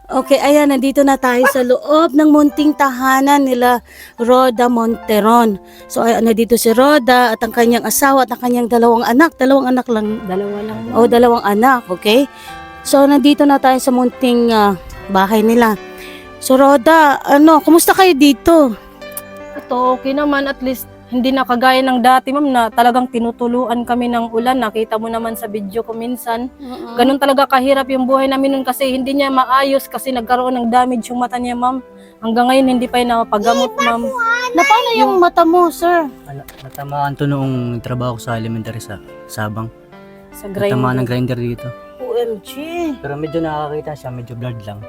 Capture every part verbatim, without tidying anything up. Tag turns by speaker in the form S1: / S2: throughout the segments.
S1: Okay, ayan, nandito na tayo sa loob ng munting tahanan nila Roda Monteron. So, ayan, nandito si Roda at ang kanyang asawa at ang kanyang dalawang anak. Dalawang anak lang.
S2: Dalawa lang.
S1: O, dalawang anak, okay? So, nandito na tayo sa munting ah, bahay nila. So, Roda, ano, kumusta kayo dito?
S2: Ito, okay naman. At least, hindi na kagaya ng dati, ma'am, na talagang tinutuluan kami ng ulan. Nakita mo naman sa video ko minsan. Ganun talaga kahirap yung buhay namin nun kasi hindi niya maayos kasi nagkaroon ng damage yung mata niya, ma'am. Hanggang ngayon, hindi pa yun napagamot, ma'am.
S1: Na paano yung mata mo, sir?
S3: Ala, natamaan to noong trabaho ko sa elementary sa Sabang.
S2: Sa
S3: Natamaan ng
S2: grinder.
S3: grinder dito.
S1: O M G.
S3: Pero medyo nakakakita siya, medyo blurred lang.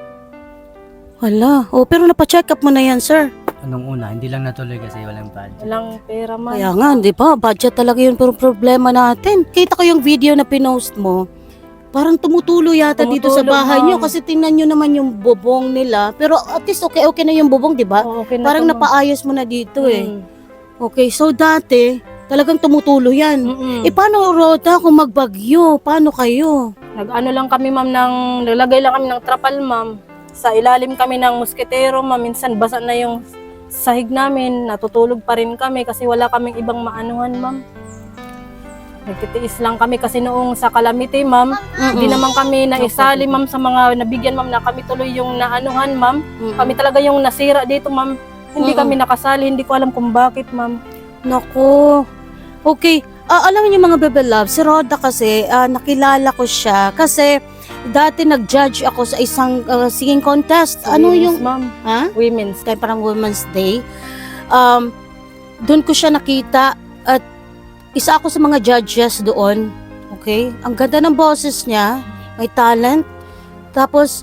S1: Wala. O, pero napacheck up mo na yan, sir.
S3: Anong una, hindi lang natuloy kasi walang budget.
S2: Walang pera, ma'am.
S1: Kaya nga, di ba? Budget talaga yun pero problema natin. Kita ko yung video na pinost mo. Parang tumutulo yata dito sa
S2: Tumutulog,
S1: bahay nyo
S2: ma'am.
S1: kasi tingnan nyo naman yung bubong nila. Pero at least okay-okay na yung bubong, di ba?
S2: Oo, okay na
S1: Parang
S2: to, ma'am.
S1: napaayos mo na dito eh.
S2: Mm.
S1: Okay, so dati, talagang tumutulo yan.
S2: Mm-mm.
S1: Eh paano, Roda, kung magbagyo? Paano kayo?
S2: Nag-ano lang kami, ma'am, ng, nalagay lang kami ng trapal, ma'am. Sa ilalim kami ng musketero, ma'am. Minsan basa na yung sahig namin, natutulog pa rin kami kasi wala kaming ibang maanuhan, ma'am. Nagtitiis lang kami kasi noong sa calamity, ma'am, hindi naman kami naisali, ma'am, sa mga nabigyan, ma'am, na kami tuloy yung naanuhan, ma'am.
S1: Mm-mm.
S2: Kami talaga yung nasira dito, ma'am. Hindi
S1: Mm-mm.
S2: kami nakasali, hindi ko alam kung bakit, ma'am.
S1: Naku. Okay. Ah, alam niyo mga Bebe Love, si Roda kasi, ah, nakilala ko siya kasi dati nag-judge ako sa isang ah, singing contest.
S2: Sa
S1: Ano
S2: women's,
S1: yung,
S2: ma'am?
S1: ha?
S2: Women's.
S1: Kaya parang Women's Day. Um, doon ko siya nakita at isa ako sa mga judges doon. Okay? Ang ganda ng boses niya, may talent. Tapos,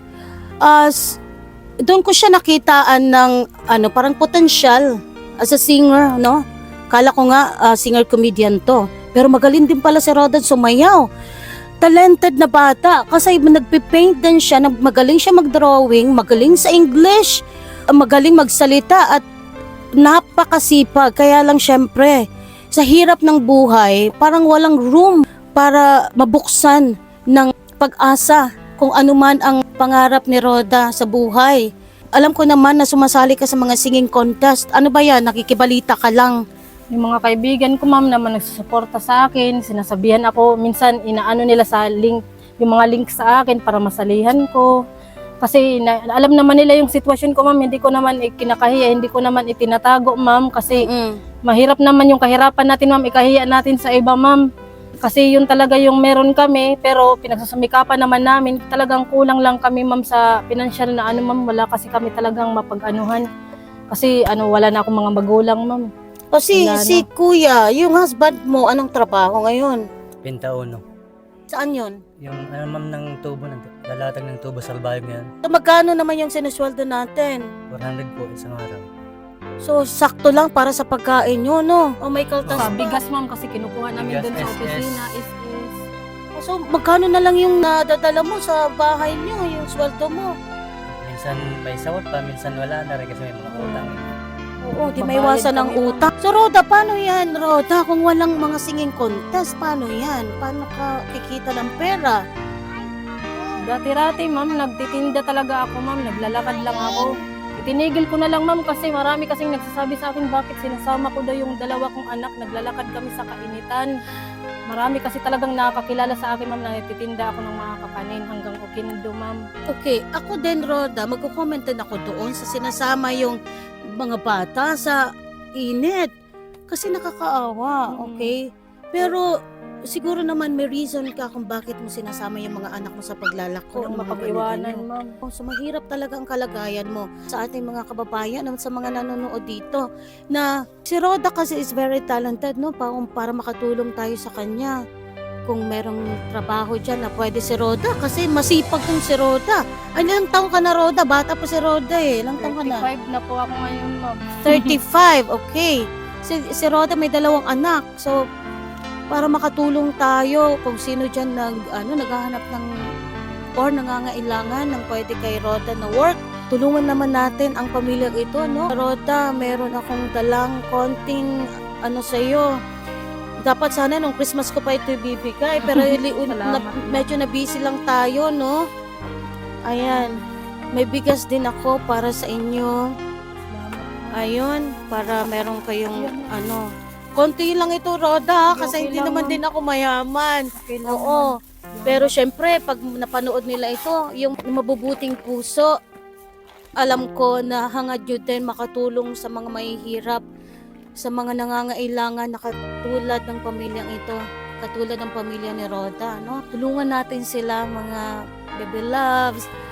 S1: as doon ko siya nakitaan ng ano, parang potential as a singer, no? Kala ko nga ah, singer-comedian to. Pero magaling din pala si Rodan sumayaw. Talented na bata kasi nagpipaint din siya, nag- magaling siya mag-drawing, magaling sa English, ah, magaling magsalita at napakasipag. Kaya lang syempre, sa hirap ng buhay, parang walang room para mabuksan ng pag-asa kung ano man ang pangarap ni Roda sa buhay. Alam ko naman na sumasali ka sa mga singing contest. Ano ba yan? Nakikibalita ka lang.
S2: Yung mga kaibigan ko, ma'am, naman nagsusuporta sa akin, sinasabihan ako, minsan inaano nila sa link, yung mga link sa akin para masalihan ko. Kasi na, alam naman nila yung sitwasyon ko, ma'am, hindi ko naman ikinakahiya, hindi ko naman itinatago, ma'am, kasi
S1: Mm.
S2: mahirap naman yung kahirapan natin, ma'am, ikahiya natin sa iba, ma'am. Kasi yun talaga yung meron kami, pero pinagsusumikapan naman namin, talagang kulang lang kami, ma'am, sa financial na ano, ma'am, wala kasi kami talagang mapag-anuhan. Kasi ano, wala na akong mga magulang, ma'am.
S1: O si,
S2: Wala
S1: si Kuya, yung husband mo, anong trabaho ngayon?
S3: Pentauno.
S1: Saan yun?
S3: Yung ano ma'am ng tubo, ng, lalatag ng tubo sa albayog ngayon.
S1: So, magkano naman yung sinusweldo natin?
S3: four hundred po isang araw.
S1: So, sakto lang para sa pagkain nyo, no? O may kaltas
S2: Sa
S1: pa.
S2: bigas, ma'am, kasi kinukuha namin
S3: Bigas,
S2: doon sa
S3: S S.
S2: opisina, S S.
S1: So, magkano na lang yung nadadala mo sa bahay nyo, yung sweldo mo?
S3: Minsan may sawat pa, minsan wala na rin kasi may mga utang.
S1: Oo, di
S2: Babayad
S1: may iwasan ng
S2: kami, ma'am.
S1: utang. So, Roda, paano yan, Roda? Kung walang mga singing contest, paano yan? Paano ka kikita ng pera?
S2: Dati-rati, ma'am, nagtitinda talaga ako, ma'am. Naglalakad lang ako. Itinigil ko na lang, ma'am, kasi marami kasing nagsasabi sa akin bakit sinasama ko daw yung dalawa kong anak. Naglalakad kami sa kainitan. Marami kasi talagang nakakakilala sa akin, ma'am, na nagtitinda ako ng mga kakanin hanggang Okindo, ma'am.
S1: Okay, ako din, Roda, magko-comment din ako doon sa sinasama yung mga bata sa init. Kasi nakakaawa,
S2: Mm.
S1: okay? Pero siguro naman may reason ka kung bakit mo sinasama yung mga anak mo sa paglalako.
S2: Kung
S1: ng mga
S2: mapag-iwanan,
S1: ganito.
S2: ma'am.
S1: Oh, so mahirap talaga ang kalagayan mo sa ating mga kababayan at sa mga nanonood dito na si Roda kasi is very talented, no? Pa, para makatulong tayo sa kanya. Kung merong trabaho dyan na pwede si Roda kasi masipag tong si Roda. Ay, ilang taong ka na, Roda? Bata pa si Roda eh. Ilang taong ka na?
S2: thirty-five na po ako ngayon, ma'am.
S1: thirty-five, okay. Si, si Roda may dalawang anak. So, para makatulong tayo kung sino dyan nag, ano, naghahanap ng or nangangailangan ng pwede kay Roda na work, tulungan naman natin ang pamilyang ito, no? Roda, meron akong dalang konting ano sa'yo. Dapat sana nung Christmas ko pa ito ibibigay, pero li- na,
S2: Salamat.
S1: medyo na busy lang tayo, no? Ayan. may bigas din ako para sa inyo. Ayun, para meron kayong ano. Konti lang ito, Roda, kasi
S2: Okay
S1: hindi
S2: lang,
S1: naman
S2: ma'am.
S1: din ako mayaman.
S2: Okay lang,
S1: Oo. Pero syempre, pag napanood nila ito, yung mabubuting puso, alam ko na hangad yun din makatulong sa mga mahihirap, sa mga nangangailangan na katulad ng pamilyang ito, katulad ng pamilya ni Roda, no? Tulungan natin sila, mga baby loves,